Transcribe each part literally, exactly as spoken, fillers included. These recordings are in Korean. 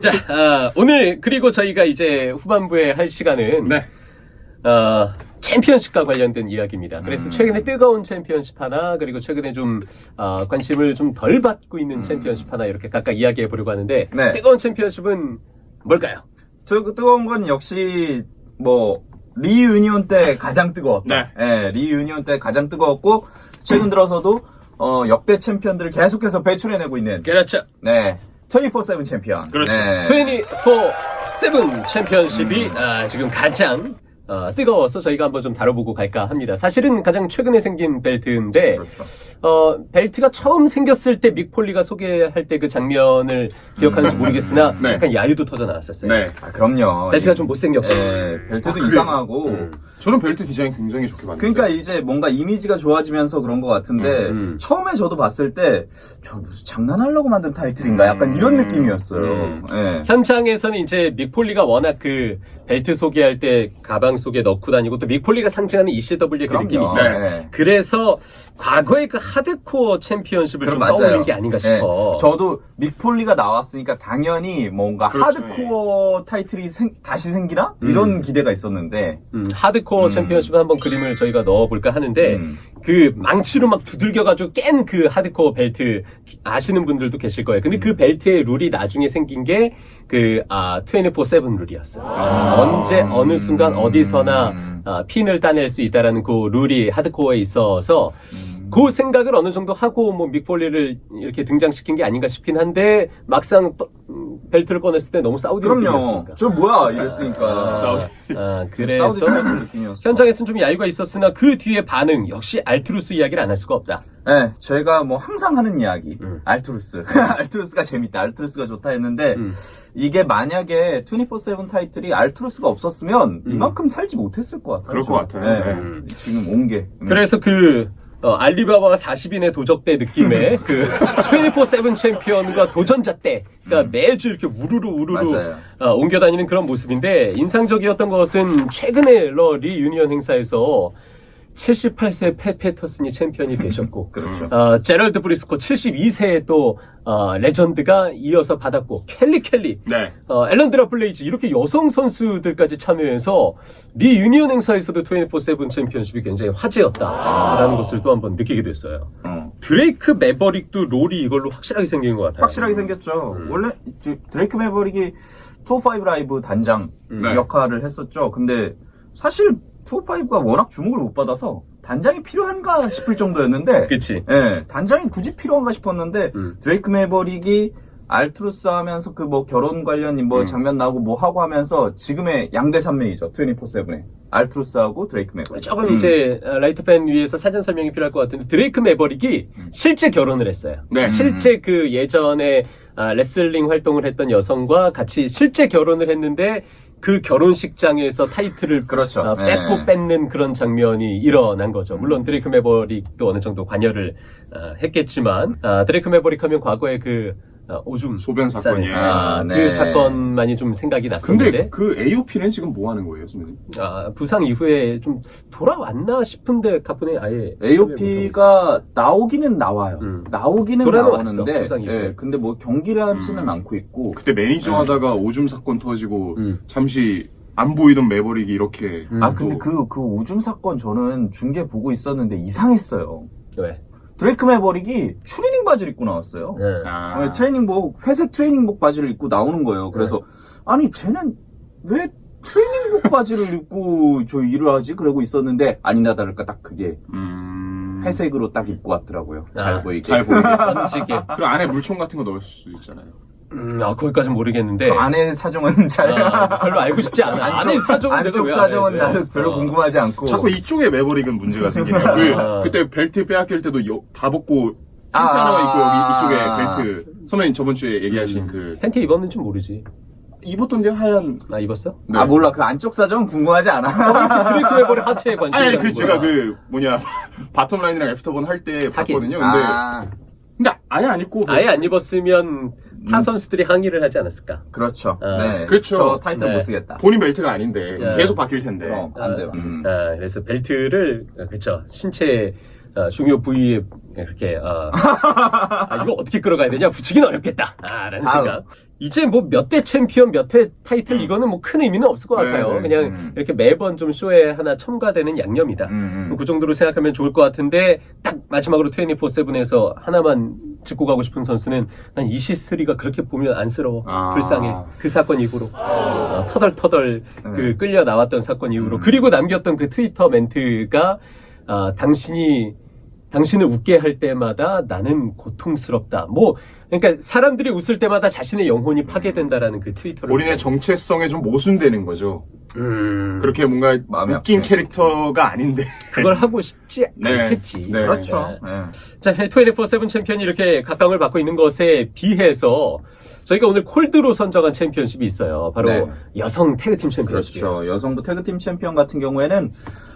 자, 아, 오늘 그리고 저희가 이제 후반부에 할 시간은 네. 어, 챔피언십과 관련된 이야기입니다. 그래서 음. 최근에 뜨거운 챔피언십 하나, 그리고 최근에 좀 어, 관심을 좀 덜 받고 있는 음. 챔피언십 하나 이렇게 각각 이야기해 보려고 하는데 네. 뜨거운 챔피언십은 뭘까요? 저 뜨거운 건 역시 뭐 리유니온 때 가장 뜨거웠다. 네. 예, 리유니온 때 가장 뜨거웠고 최근 들어서도 어, 역대 챔피언들을 계속해서 배출해내고 있는 그렇죠. 네. 이십사 세븐 챔피언. 그렇죠. 네. 이십사 세븐 챔피언십이 아, 지금 가장 어, 뜨거워서 저희가 한번 좀 다뤄보고 갈까 합니다. 사실은 가장 최근에 생긴 벨트인데 그렇죠. 어, 벨트가 처음 생겼을 때 믹폴리가 소개할 때 그 장면을 기억하는지 모르겠으나 네. 약간 야유도 터져 나왔었어요. 네. 아, 그럼요. 벨트가 이- 좀 못생겼고 예, 벨트도 아, 그래요? 이상하고. 음. 저는 벨트 디자인 굉장히 좋게 봤는데. 그러니까 이제 뭔가 이미지가 좋아지면서 그런 것 같은데 음, 음. 처음에 저도 봤을 때 저 무슨 장난하려고 만든 타이틀인가 약간 이런 느낌이었어요. 음. 예. 현장에서는 이제 믹폴리가 워낙 그 벨트 소개할 때 가방 속에 넣고 다니고 또 믹폴리가 상징하는 이씨더블유의 그 느낌이 그럼요. 있잖아요. 네. 그래서 과거의 그 하드코어 챔피언십을 좀 그럼 떠올린 게 아닌가 싶어. 예. 저도 믹폴리가 나왔으니까 당연히 뭔가 그렇죠. 하드코어 타이틀이 생- 다시 생기나? 이런 기대가 있었는데 음, 하드코어 음. 챔피언십 한번 그림을 저희가 넣어볼까 하는데 음. 그 망치로 막 두들겨가지고 깬 그 하드코어 벨트 아시는 분들도 계실 거예요. 근데 그 벨트의 룰이 나중에 생긴 게 그 아, 이십사 세븐 룰이었어요. 언제 어느 순간 어디서나 아, 핀을 따낼 수 있다라는 그 룰이 하드코어에 있어서 그 생각을 어느 정도 하고 뭐 믹폴리를 이렇게 등장시킨 게 아닌가 싶긴 한데 막상 또, 음, 벨트를 꺼냈을 때 너무 사우디 그럼요. 느낌이었으니까. 저 뭐야 이랬으니까 사우디. 아, 그래서 사우디 타이틀 느낌이었어. 현장에서는 좀 야유가 있었으나 그 뒤에 반응 역시 알투루스 이야기를 안 할 수가 없다. 네, 저희가 뭐 항상 하는 이야기 음. 알투루스 알투루스가 재밌다 알투루스가 좋다 했는데 음. 이게 만약에 이십사 세븐 타이틀이 알투루스가 없었으면 음. 이만큼 살지 못했을 것 같아요. 그럴 것 저. 같아요. 네. 음. 지금 온게 음. 그래서 그 어, 알리바바가 사십 인의 도적대 느낌의 그 이십사 세븐 챔피언과 도전자 때 그러니까 매주 이렇게 우르르 우르르 맞아요. 어, 옮겨다니는 그런 모습인데 인상적이었던 것은 최근에 러 리유니언 행사에서 칠십팔 세 팻 패터슨이 챔피언이 되셨고 그렇죠. 어, 제럴드 브리스코 칠십이 세의 또 어, 레전드가 이어서 받았고 켈리 켈리 네. 어, 앨런드라 블레이즈 이렇게 여성 선수들까지 참여해서 리 유니언 행사에서도 이십사 세븐 챔피언십이 굉장히 화제였다라는 것을 또 한번 느끼게 됐어요. 어. 드레이크 매버릭도 롤이 이걸로 확실하게 생긴 것 같아요. 확실하게 생겼죠. 음. 원래 저 드레이크 매버릭이 이십오 라이브 단장 네. 역할을 했었죠. 근데 사실 이십오가 워낙 주목을 못 받아서 단장이 필요한가 싶을 정도였는데 그치. 예, 단장이 굳이 필요한가 싶었는데 음. 드레이크 매버릭이 알투루스 하면서 그 뭐 결혼 관련 뭐 음. 장면 나오고 뭐 하고 하면서 지금의 양대 산맥이죠. 이십사 세븐에 알투루스하고 드레이크 매버릭. 조금 음. 이제 어, 라이트 팬 위해서 사전 설명이 필요할 것 같은데 드레이크 매버릭이 실제 결혼을 했어요. 네. 실제 그 예전에 아, 레슬링 활동을 했던 여성과 같이 실제 결혼을 했는데 그 결혼식장에서 타이틀을 그렇죠. 어, 뺏고 네. 뺏는 그런 장면이 일어난 거죠. 물론 드레이크 매버릭도 어느 정도 관여를 어, 했겠지만 아, 드레이크 매버릭 하면 과거에 그 어, 오줌 소변 사건이. 쌀, 아, 아, 그 네. 사건만이 좀 생각이 근데 났었는데 그 에이오피는 지금 뭐 하는 거예요, 선생님? 아, 부상 이후에 좀 돌아왔나 싶은데 가뿐히 아예 에이오피가 나오기는 나와요. 음. 나오기는 돌아는 나오는데, 왔어, 부상 이후에. 예, 근데 뭐 경기를 하지는 음. 않고 있고. 그때 매니저 하다가 오줌 사건 터지고 음. 잠시 안 보이던 매버릭이 이렇게 음. 아 근데 또- 그 그 오줌 사건 저는 중계 보고 있었는데 이상했어요. 왜? 드레이크 매버릭이 추리닝 바지를 입고 나왔어요. 네. 아. 어, 트레이닝복 회색 트레이닝복 바지를 입고 나오는 거예요. 그래서 네. 아니 쟤는 왜 트레이닝복 바지를 입고 저 일을 하지? 그러고 있었는데 아니나 다를까 딱 그게 음... 회색으로 딱 입고 왔더라고요. 잘 아, 보이게. 잘 보이게. 던지게. 그리고 안에 물총 같은 거 넣을 수 있잖아요. 음, 아, 거기까지는 모르겠는데. 그 안에 사정은 잘. 아, 별로 알고 싶지 않아. 안에 사정은 내가 안쪽 왜 사정은 알아야 돼? 나는 별로 어. 궁금하지 않고. 자꾸 이쪽에 매버릭은 문제가 생기네요. 그, 아. 그때 벨트 빼앗길 때도 여- 다 벗고 팬티 아. 하나만 입고 여기 이쪽에 벨트. 선배님 저번 주에 얘기하신 음. 그 팬티 입었는지 모르지. 입었던데 하얀. 나 입었어? 네. 아 몰라 그 안쪽 사정은 궁금하지 않아. 드레이크 매버릭 하체에 관심이 아니, 아니 가는 그 제가 거야. 그 뭐냐 바텀 라인이랑 애프터본 할 때 봤거든요. 근데 아, 근데 아예 안 입고 아예 안 입었으면 타 선수들이 항의를 하지 않았을까? 그렇죠. 아, 네. 그렇죠. 저 타이틀 네. 못 쓰겠다. 본인 벨트가 아닌데 네. 계속 바뀔 텐데. 그럼 안 돼요. 음. 아, 그래서 벨트를 그렇죠 신체 어, 중요 부위에 이렇게 어, 아, 이거 어떻게 끌어가야 되냐 붙이긴 어렵겠다 아, 라는 다음. 생각. 이제 뭐 몇 대 챔피언 몇 회 타이틀 이거는 뭐 큰 의미는 없을 것 네, 같아요. 네, 그냥 음. 이렇게 매번 좀 쇼에 하나 첨가되는 양념이다. 음, 음. 그 정도로 생각하면 좋을 것 같은데 딱 마지막으로 이십사 세븐에서 하나만 짚고 가고 싶은 선수는 난 이시쓰리가 그렇게 보면 안쓰러워. 아. 불쌍해. 그 사건 이후로 어, 터덜터덜 그 네. 끌려 나왔던 사건 이후로 음. 그리고 남겼던 그 트위터 멘트가 아, 당신이 당신을 웃게 할 때마다 나는 고통스럽다. 뭐 그러니까 사람들이 웃을 때마다 자신의 영혼이 파괴된다라는 그 트위터를 본인의 정체성에 좀 모순되는 거죠. 음, 그렇게 뭔가 마음이 웃긴 아프네. 캐릭터가 아닌데. 그걸 하고 싶지 네. 않겠지. 네. 그렇죠. 네. 네. 자, 이십사 세븐 챔피언이 이렇게 각광을 받고 있는 것에 비해서 저희가 오늘 콜드로 선정한 챔피언십이 있어요. 바로 네. 여성 태그팀 챔피언십이에요. 그렇죠. 여성부 태그팀 챔피언 같은 경우에는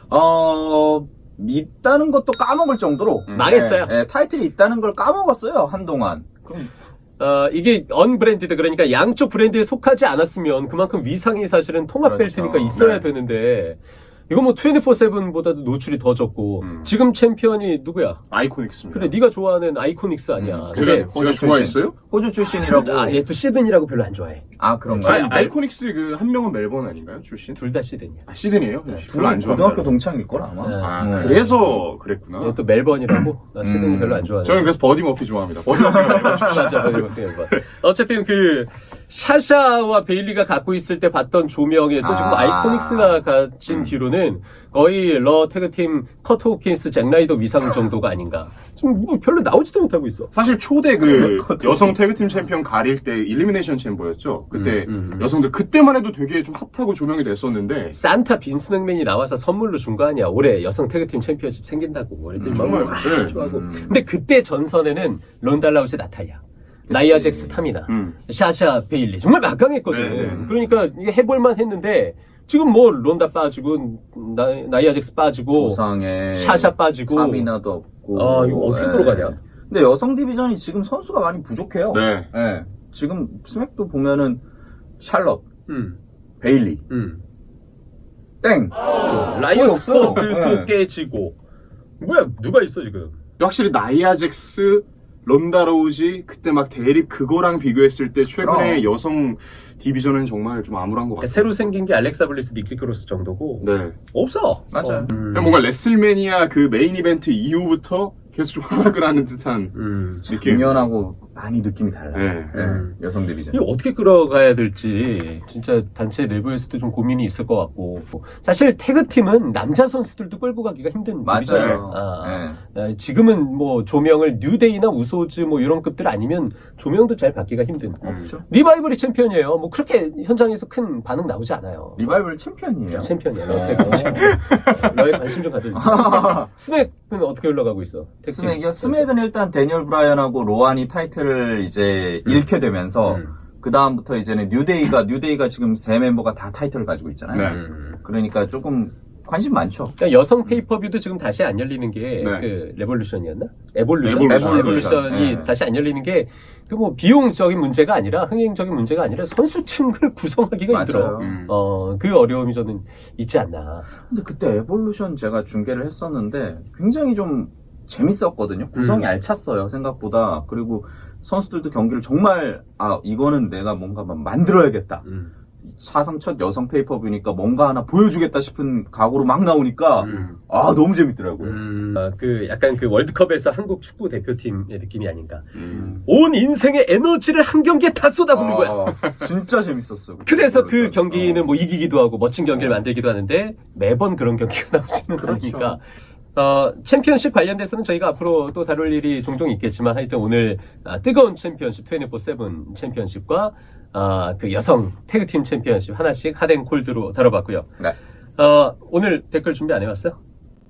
어 있다는 것도 까먹을 정도로 음. 망했어요. 예, 예, 타이틀이 있다는 걸 까먹었어요 한동안. 그럼 어, 이게 언브랜디드 그러니까 양쪽 브랜드에 속하지 않았으면 그만큼 위상이 사실은 통합 그렇죠. 벨트니까 있어야 네. 되는데 이거 뭐 이십사 세븐보다도 노출이 더 적고 음. 지금 챔피언이 누구야? 아이코닉스입니다. 그래 네가 좋아하는 아이코닉스 아니야. 음, 근데 제가, 제가 좋아했어요? 호주 출신이라고. 아, 얘 또 시드니라고 별로 안 좋아해. 아 그런가요? 아니, 아니, 아이코닉스 그 한 명은 멜번 아닌가요? 출신? 둘 다 시드니야. 아, 시드니에요? 둘은 별로 안 좋아한다. 고등학교 동창일 걸 아마. 네. 아, 음. 그래서 그랬구나. 얘 또 멜번이라고. 나 시드니 음. 별로 안 좋아해. 저는 그래서 버디 머피 좋아합니다. 버디 머피가 멜번 출신. 맞아, 맞아, 맞아, 맞아. 어쨌든 그 샤샤와 베일리가 갖고 있을 때 봤던 조명에서 지금 아. 아이코닉스가 가진 뒤로는 거의 러 태그팀 커트 호킨스 잭 라이더 위상 정도가 아닌가. 지금 뭐 별로 나오지도 못하고 있어. 사실 초대 그 그것도 여성 태그팀 챔피언 가릴 때 일리미네이션 챔버였죠. 그때 음, 음, 음. 여성들 그때만 해도 되게 좀 핫하고 조명이 됐었는데 산타 빈스 맥맨이 나와서 선물로 준 거 아니야. 올해 여성 태그팀 챔피언십 생긴다고. 그랬더니 정말 막 네. 좋아하고. 음. 근데 그때 전선에는 론달라우스 나탈리아, 나이아 잭스 타미나, 음. 샤샤 베일리 정말 막강했거든. 네, 네. 그러니까 이게 해볼만 했는데 지금 뭐 론다 빠지고 나, 나이아 잭스 빠지고 조상에 샤샤 빠지고 카미나도 없고. 아, 이거 어떻게 예. 끌어가냐? 근데 여성 디비전이 지금 선수가 많이 부족해요. 네. 예. 지금 스맥도 보면은 샬럿, 음, 베일리, 음. 땡. 라이어 거의 없어요. 스쿼드도 네. 깨지고 뭐야 누가 있어 지금? 확실히 나이아잭스, 런다로우지 그때 막 대립 그거랑 비교했을 때 최근에 그럼. 여성 디비전은 정말 좀 암울한 것 같아요. 새로 생긴 게 알렉사 블리스, 니키 크로스 정도고 네. 없어. 맞아요. 어, 음. 그냥 뭔가 레슬매니아 그 메인 이벤트 이후부터 계속 좀 하락을 하는 듯한 음. 느낌. 작년하고 많이 느낌이 달라요. 네. 예, 음. 여성 디비전. 이거 어떻게 끌어가야 될지 진짜 단체 내부에서도 좀 고민이 있을 것 같고 사실 태그팀은 남자 선수들도 끌고 가기가 힘든 맞아요. 일이잖아요. 아, 예. 아, 지금은 뭐 조명을 뉴데이나 우소즈 뭐 이런 급들 아니면 조명도 잘 받기가 힘든 없죠. 리바이벌이 챔피언이에요. 뭐 그렇게 현장에서 큰 반응 나오지 않아요. 리바이벌 챔피언이에요. 챔피언이에요. 어. 태그 챔피언. 너의 관심 좀 가져주세요. 스맥은 어떻게 흘러가고 있어? 태그팀. 스맥이요? 스맥은 일단 데니얼 브라이언하고 로안이 타이틀을 이제 잃게 되면서 음. 그 다음부터 이제는 뉴데이가 뉴데이가 지금 세 멤버가 다 타이틀을 가지고 있잖아요. 네. 음. 그러니까 조금 관심 많죠. 그러니까 여성 페이퍼뷰도 지금 다시 안 열리는 게 네. 그 레볼루션이었나? 에볼루션? 에볼루션. 에볼루션이 네. 다시 안 열리는 게 그 뭐 비용적인 문제가 아니라 흥행적인 문제가 아니라 선수층을 구성하기가 힘들어. 맞아요. 음. 어, 그 어려움이 저는 있지 않나. 근데 그때 에볼루션 제가 중계를 했었는데 굉장히 좀 재밌었거든요. 구성이 음. 알찼어요, 생각보다. 그리고 선수들도 경기를 정말, 아, 이거는 내가 뭔가 막 만들어야겠다. 음. 사상 첫 여성 페이퍼뷰니까 뭔가 하나 보여주겠다 싶은 각오로 막 나오니까, 음. 아, 너무 재밌더라고요. 음, 아, 그 약간 그 월드컵에서 한국 축구 대표팀의 느낌이 아닌가. 음. 온 인생의 에너지를 한 경기에 다 쏟아붓는 거야. 아, 진짜 재밌었어요. 그래서 그 에볼루션. 경기는 어. 뭐 이기기도 하고 멋진 경기를 어. 만들기도 하는데 매번 그런 경기가 나오지는 그렇죠. 않으니까 어, 챔피언십 관련돼서는 저희가 앞으로 또 다룰 일이 종종 있겠지만 하여튼 오늘 아, 뜨거운 챔피언십 이십사 세븐 챔피언십과 아, 그 여성 태그팀 챔피언십 하나씩 핫앤 콜드로 다뤄봤고요. 네. 어, 오늘 댓글 준비 안 해왔어요?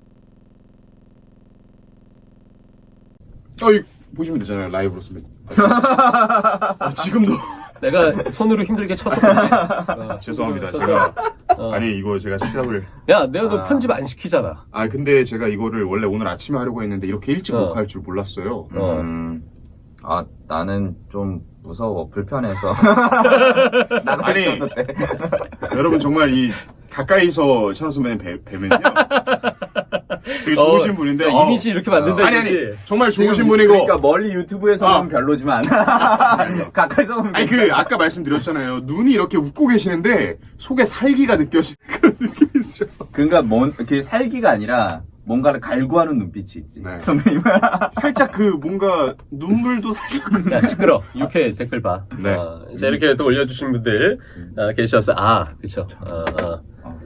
어, 이 보시면 되잖아요. 라이브로 쓰면. 아, 지금도. 내가 손으로 힘들게 쳐서 그래. 어, 죄송합니다. 쳐서. 제가. 어. 아니, 이거 제가 시작을. 야, 내가 너 아. 편집 안 시키잖아. 아, 근데 제가 이거를 원래 오늘 아침에 하려고 했는데 이렇게 일찍 어. 녹화할 줄 몰랐어요. 어. 음, 아, 나는 좀 무서워, 불편해서. 나가 아니. 있어도 돼. 여러분, 정말 이 가까이서 찬호 선배님 뵈, 뵈면요. 되게 좋으신 분인데 야, 어. 이미지 이렇게 만든다 아니 아니 이거지? 정말 좋으신 지금 분이고 그러니까 멀리 유튜브에서 어. 보면 별로지만 가까이서 보면 아니 그 괜찮아. 아까 말씀드렸잖아요. 눈이 이렇게 웃고 계시는데 속에 살기가 느껴지는 그런 느낌이 있으셔서 그러니까 뭔, 그 살기가 아니라 뭔가를 갈구하는 눈빛이 있지. 네. 선배님. 살짝 그 뭔가 눈물도 살짝 야, 시끄러. 육회 댓글 봐. 네. 어, 자, 이렇게 또 올려주신 분들 어, 계셔서, 아, 그쵸. 어, 어.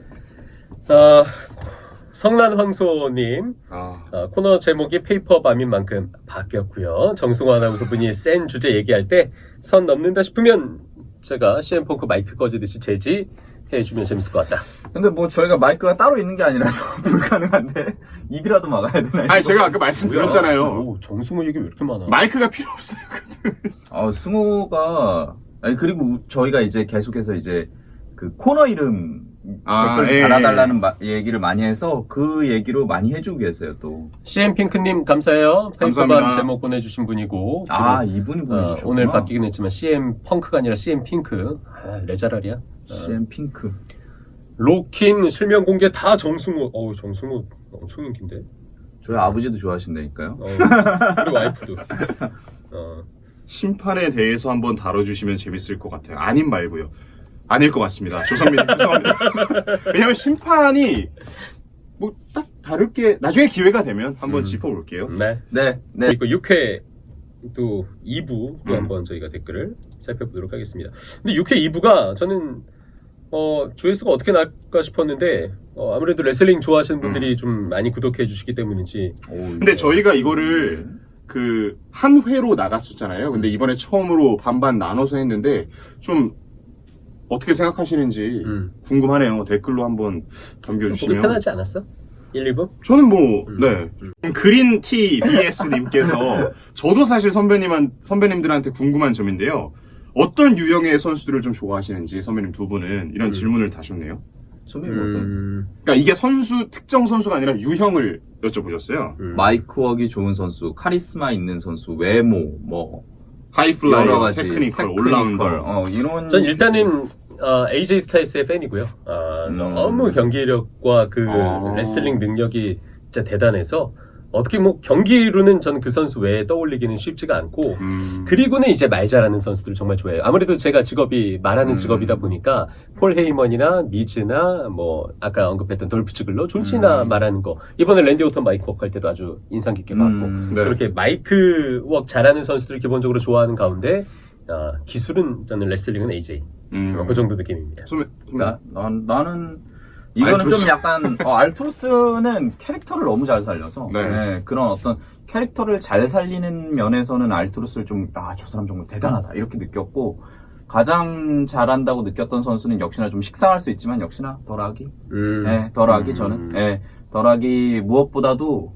어, 성난 황소님, 아, 어, 코너 제목이 페이퍼밤인 만큼 바뀌었고요. 정승호 아나운서분이 센 주제 얘기할 때 선 넘는다 싶으면 제가 씨엠펑크 마이크 꺼지듯이 제지해주면 재밌을 것 같다. 근데 뭐 저희가 마이크가 따로 있는 게 아니라서 불가능한데 입이라도 막아야 되나? 아니 이거? 제가 아까 말씀드렸잖아요. 오, 정승호 얘기 왜 이렇게 많아? 마이크가 필요 없어요. 어, 승호가 아니 그리고 저희가 이제 계속해서 이제 그 코너 이름 아, 댓글 예, 달아달라는 마- 얘기를 많이 해서 그 얘기로 많이 해주고 계세요 또. 씨엠핑크님 감사해요. 페이퍼밤 감사합니다. 제목 보내주신 분이고. 아 그리고, 이분이 어, 보내주셨구나. 오늘 바뀌긴 했지만 씨엠펑크가 아니라 씨엠핑크. 아, 레자랄이야. 어. 씨엠 핑크. 로킨 실명 공개 다 정승호. 어우 정승호 엄청 인기인데. 저희 아버지도 좋아하신다니까요. 어, 우리 와이프도. 어. 심판에 대해서 한번 다뤄주시면 재밌을 것 같아요. 아님 말고요. 아닐 것 같습니다. 조선민님 죄송합니다. 왜냐면 심판이 뭐 딱 다를 게 나중에 기회가 되면 한번 음. 짚어볼게요. 네. 네, 네. 그리고 육 회 또 이 부도 음. 한번 저희가 댓글을 살펴보도록 하겠습니다. 근데 육 회 이 부가 저는 어, 조회수가 어떻게 날까 싶었는데 어, 아무래도 레슬링 좋아하시는 분들이 좀 많이 구독해 주시기 때문인지 오, 근데 저희가 이거를 그 한 회로 나갔었잖아요. 근데 이번에 처음으로 반반 나눠서 했는데 좀 어떻게 생각하시는지 음. 궁금하네요. 댓글로 한번 보기 남겨주시면. 편하지 않았어? 일, 이 부? 저는 뭐, 음. 네. 그린티 비에스님께서 저도 사실 선배님한, 선배님들한테 궁금한 점인데요. 어떤 유형의 선수들을 좀 좋아하시는지 선배님 두 분은 이런 음. 질문을 다셨네요. 선배님 어떤? 음, 그러니까 이게 선수, 특정 선수가 아니라 유형을 여쭤보셨어요. 음. 마이크웍이 좋은 선수, 카리스마 있는 선수, 외모, 뭐 여러 하이플라이어, 가지 테크니컬, 테크니컬, 올라운더. 어, 이런. 전 일단은 어, 에이제이 스타일스의 팬이고요. 아, 음. 너무 경기력과 그 아. 레슬링 능력이 진짜 대단해서 어떻게 뭐 경기로는 전 그 선수 외에 떠올리기는 쉽지가 않고 음. 그리고는 이제 말 잘하는 선수들 정말 좋아해요. 아무래도 제가 직업이 말하는 음. 직업이다 보니까 폴 헤이먼이나 미즈나 뭐 아까 언급했던 돌프 츠글러, 존시나 음. 말하는 거 이번에 랜디 오턴 마이크 웍 할 때도 아주 인상 깊게 봤고 음, 네. 그렇게 마이크 웍 잘하는 선수들을 기본적으로 좋아하는 가운데 아, 기술은 저는 레슬링은 에이제이 음. 어, 그 정도 느낌입니다. 선배, 나, 난, 나는 이거는 알투루스. 좀 약간 어, 알투루스는 캐릭터를 너무 잘 살려서 네. 네, 그런 어떤 캐릭터를 잘 살리는 면에서는 알투루스를 좀 아 저 사람 정말 대단하다 이렇게 느꼈고 가장 잘한다고 느꼈던 선수는 역시나 좀 식상할 수 있지만 역시나 덜하기 음. 네, 덜하기 음. 저는 네, 덜하기 무엇보다도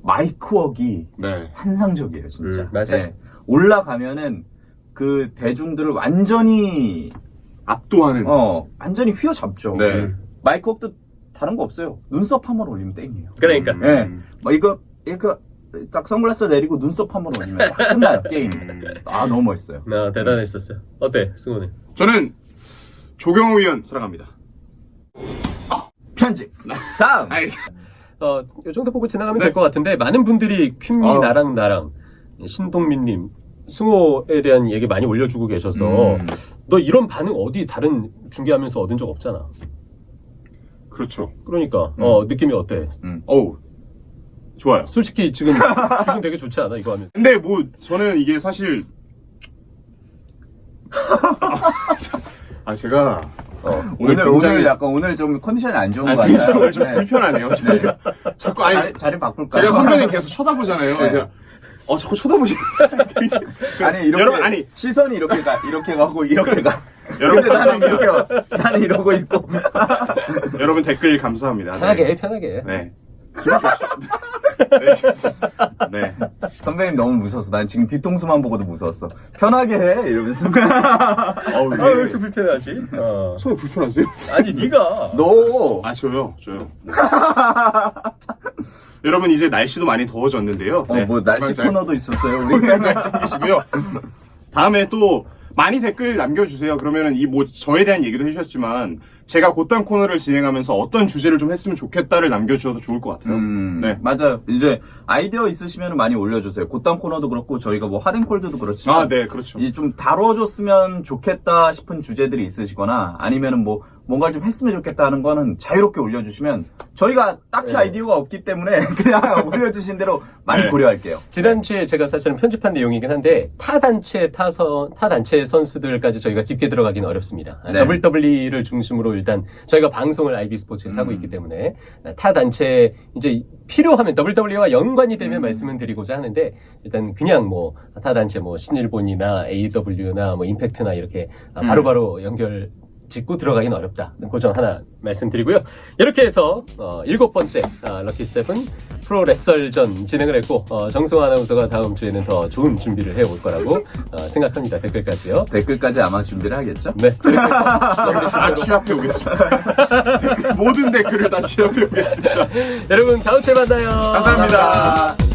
마이크웍이 네. 환상적이에요 진짜 음, 맞아요. 네, 올라가면은 그 대중들을 완전히 압도하는. 어 완전히 휘어잡죠. 네. 마이크웍도 다른 거 없어요. 눈썹 한 번 올리면 땡이에요. 그러니까 음. 예. 뭐 이거 이거 딱 선글라스 내리고 눈썹 한 번 올리면 딱 끝나요 게임. 아 너무 멋있어요. 나 대단했었어요. 어때 승호는? 저는 조경호 위원 사랑합니다. 편집. 다음. 아이, 어, 이 정도 보고 지나가면 네. 될 것 같은데 많은 분들이 퀸미 아우. 나랑 나랑 신동민님 승호에 대한 얘기 많이 올려주고 계셔서 음. 너 이런 반응 어디 다른 중계하면서 얻은 적 없잖아. 그렇죠. 그러니까 어 느낌이 어때? 어우, 좋아요. 솔직히 지금 기분 되게 좋지 않아 이거 하면서? 근데 뭐 저는 이게 사실 아 제가 어. 오늘 오늘 굉장히- 오늘 약간 오늘 좀 컨디션이 안 좋은 아니, 거 같아요. 굉장히 오늘 좀 네. 불편하네요. 제가 자꾸 아니 자리, 자리 바꿀까요? 제가 선배님 계속 쳐다보잖아요. 네. 제가 어 자꾸 쳐다보시는 아니 이렇게 여러분, 아니. 시선이 이렇게 가 이렇게 가고 이렇게 가. 여러분, 근데 나는 감사합니다. 이렇게 와. 나는 이러고 있고. 여러분 댓글 감사합니다. 편하게 네. 해 편하게. 네. 기분 좋으시죠? 네. 네. 선배님 너무 무서웠어. 난 지금 뒤통수만 보고도 무서웠어. 편하게 해 이러면서. 어우, 아 왜 네. 이렇게 불편하지? 어. 손이 불편하세요? 아니 네가 너. 아 저요, 저요. 네. 여러분 이제 날씨도 많이 더워졌는데요. 어 뭐 날씨 잘- 코너도 있었어요 우리. 잘 챙기시고요. 다음에 또 많이 댓글 남겨주세요. 그러면은 이 뭐 저에 대한 얘기도 해주셨지만 제가 곧단 코너를 진행하면서 어떤 주제를 좀 했으면 좋겠다를 남겨주셔도 좋을 것 같아요. 음, 네. 맞아요. 이제 아이디어 있으시면 많이 올려주세요. 곧단 코너도 그렇고 저희가 뭐 하덴콜드도 그렇지만 아, 네, 그렇죠. 이 좀 다뤄줬으면 좋겠다 싶은 주제들이 있으시거나 아니면은 뭐 뭔가를 좀 했으면 좋겠다 하는 거는 자유롭게 올려주시면 저희가 딱히 네. 아이디어가 없기 때문에 그냥 올려주신 대로 많이 네. 고려할게요. 지난주에 제가 사실은 편집한 내용이긴 한데 타 단체 타선 타 단체 선수들까지 저희가 깊게 들어가기는 어렵습니다. 네. 더블유더블유이를 중심으로 일단 저희가 방송을 아이비 스포츠에서 하고 음. 있기 때문에 타 단체 이제 필요하면 더블유더블유이와 연관이 되면 음. 말씀을 드리고자 하는데 일단 그냥 뭐 타 단체 뭐 신일본이나 에이더블유나 뭐 임팩트나 이렇게 음. 바로바로 연결 짚고 들어가긴 어렵다. 그 점 하나 말씀드리고요. 이렇게 해서 어, 일곱 번째 아, 럭키 세븐 프로 레설전 진행을 했고 어, 정승화 아나운서가 다음 주에는 더 좋은 준비를 해올 거라고 어, 생각합니다. 댓글까지요. 댓글까지 아마 준비를 하겠죠? 네. 다 취합해 오겠습니다. 댓글, 모든 댓글을 다 취합해 오겠습니다. 여러분 다음 주에 만나요. 감사합니다.